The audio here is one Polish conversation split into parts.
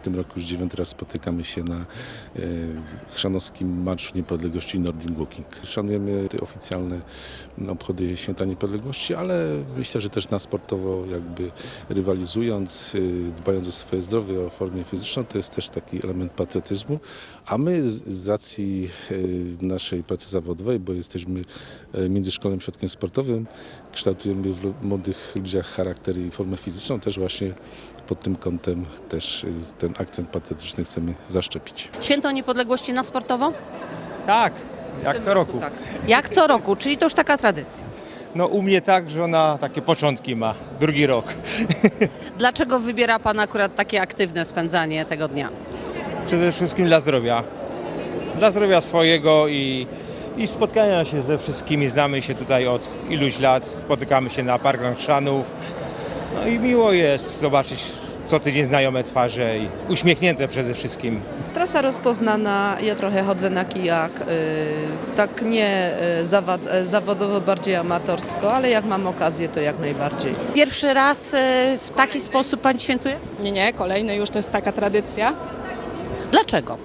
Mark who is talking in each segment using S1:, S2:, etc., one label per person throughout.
S1: tym roku już 9. raz spotykamy się na chrzanowskim Marszu Niepodległości Nordic Walking. Szanujemy te oficjalne obchody Święta Niepodległości, ale myślę, że też na sportowo jakby rywalizując, dbając o swoje zdrowie, o formę fizyczną, to jest też taki element patriotyzmu, a my z racji naszej pracy zawodowej, bo jesteśmy międzyszkolnym ośrodkiem sportowym, kształtujemy w młodych ludziach charakter i formę fizyczną, też właśnie pod tym kątem też ten akcent patriotyczny chcemy zaszczepić.
S2: Święto Niepodległości na sportowo?
S3: Tak, jak co roku.
S2: Tak. Jak co roku, czyli to już taka tradycja.
S3: No u mnie tak, że ona takie początki ma, drugi rok.
S2: Dlaczego wybiera Pan akurat takie aktywne spędzanie tego dnia?
S3: Przede wszystkim dla zdrowia. Dla zdrowia swojego i spotkania się ze wszystkimi. Znamy się tutaj od iluś lat, spotykamy się na parkach Chrzanów. No i miło jest zobaczyć co tydzień znajome twarze i uśmiechnięte przede wszystkim.
S4: Trasa rozpoznana, ja trochę chodzę na kijak, tak nie zawodowo, bardziej amatorsko, ale jak mam okazję, to jak najbardziej.
S2: Pierwszy raz w taki sposób Pani świętuje?
S5: Nie, kolejny już to jest taka tradycja.
S2: Dlaczego?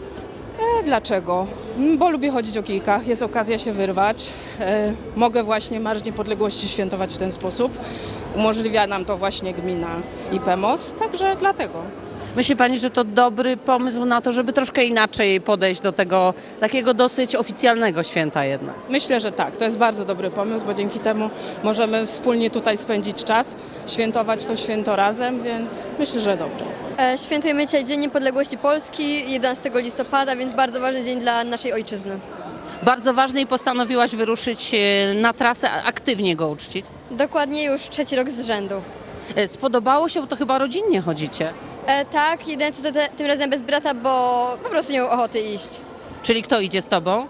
S5: Dlaczego? Bo lubię chodzić o kijkach, jest okazja się wyrwać. Mogę właśnie Marsz Niepodległości świętować w ten sposób. Umożliwia nam to właśnie gmina i PEMOS, także dlatego.
S2: Myśli Pani, że to dobry pomysł na to, żeby troszkę inaczej podejść do tego takiego dosyć oficjalnego święta jednak?
S5: Myślę, że tak, to jest bardzo dobry pomysł, bo dzięki temu możemy wspólnie tutaj spędzić czas, świętować to święto razem, więc myślę, że dobre.
S6: Świętujemy dzisiaj Dzień Niepodległości Polski, 11 listopada, więc bardzo ważny dzień dla naszej ojczyzny.
S2: Bardzo ważny i postanowiłaś wyruszyć na trasę, aktywnie go uczcić.
S6: Dokładnie już 3. rok z rzędu.
S2: Spodobało się, bo to chyba rodzinnie chodzicie.
S6: Tak, jedyne co to tym razem bez brata, bo po prostu nie miał ochoty iść.
S2: Czyli kto idzie z Tobą?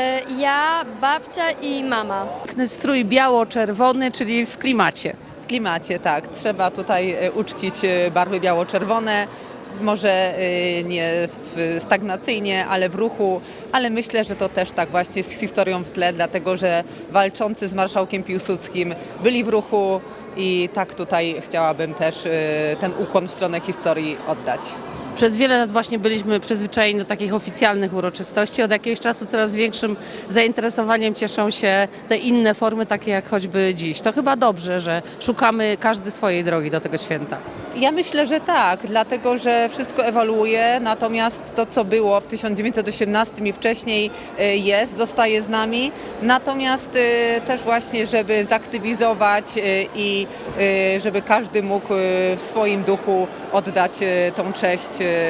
S6: Ja, babcia i mama.
S2: Piękny strój biało-czerwony, czyli w klimacie.
S4: W klimacie, tak. Trzeba tutaj uczcić barwy biało-czerwone, może nie stagnacyjnie, ale w ruchu, ale myślę, że to też tak właśnie z historią w tle, dlatego że walczący z marszałkiem Piłsudskim byli w ruchu i tak tutaj chciałabym też ten ukłon w stronę historii oddać.
S2: Przez wiele lat właśnie byliśmy przyzwyczajeni do takich oficjalnych uroczystości. Od jakiegoś czasu coraz większym zainteresowaniem cieszą się te inne formy, takie jak choćby dziś. To chyba dobrze, że szukamy każdy swojej drogi do tego święta.
S4: Ja myślę, że tak, dlatego że wszystko ewoluuje, natomiast to, co było w 1918 i wcześniej zostaje z nami. Natomiast też właśnie, żeby zaktywizować i żeby każdy mógł w swoim duchu oddać tą cześć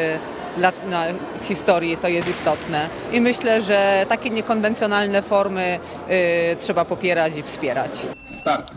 S4: na historii, to jest istotne. I myślę, że takie niekonwencjonalne formy trzeba popierać i wspierać.
S1: Start.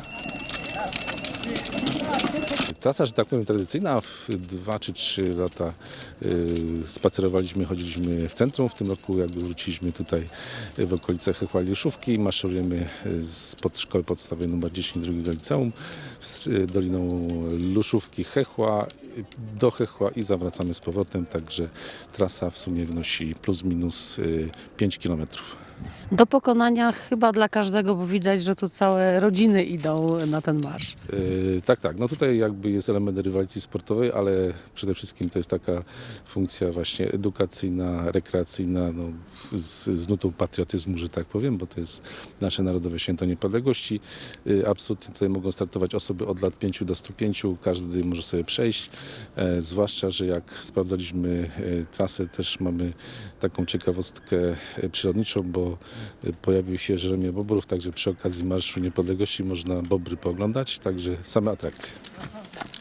S1: Trasa, że tak powiem, tradycyjna. 2 czy 3 lata spacerowaliśmy, chodziliśmy w centrum. W tym roku jakby wróciliśmy tutaj w okolicach Hechła i Juszówki. Maszerujemy spod szkoły podstawowej nr 10 drugiego liceum z doliną Luszówki, Hechła do Hechła i zawracamy z powrotem. Także trasa w sumie wynosi plus minus 5 kilometrów.
S2: Do pokonania chyba dla każdego, bo widać, że tu całe rodziny idą na ten marsz.
S1: Tak. No tutaj jakby jest element rywalizacji sportowej, ale przede wszystkim to jest taka funkcja właśnie edukacyjna, rekreacyjna, no, z nutą patriotyzmu, że tak powiem, bo to jest nasze Narodowe Święto Niepodległości. Absolutnie tutaj mogą startować osoby od lat 5 do 105, każdy może sobie przejść, zwłaszcza, że jak sprawdzaliśmy trasę, też mamy taką ciekawostkę przyrodniczą, bo pojawił się Jeremie Bobrów, także przy okazji Marszu Niepodległości można bobry pooglądać, także same atrakcje.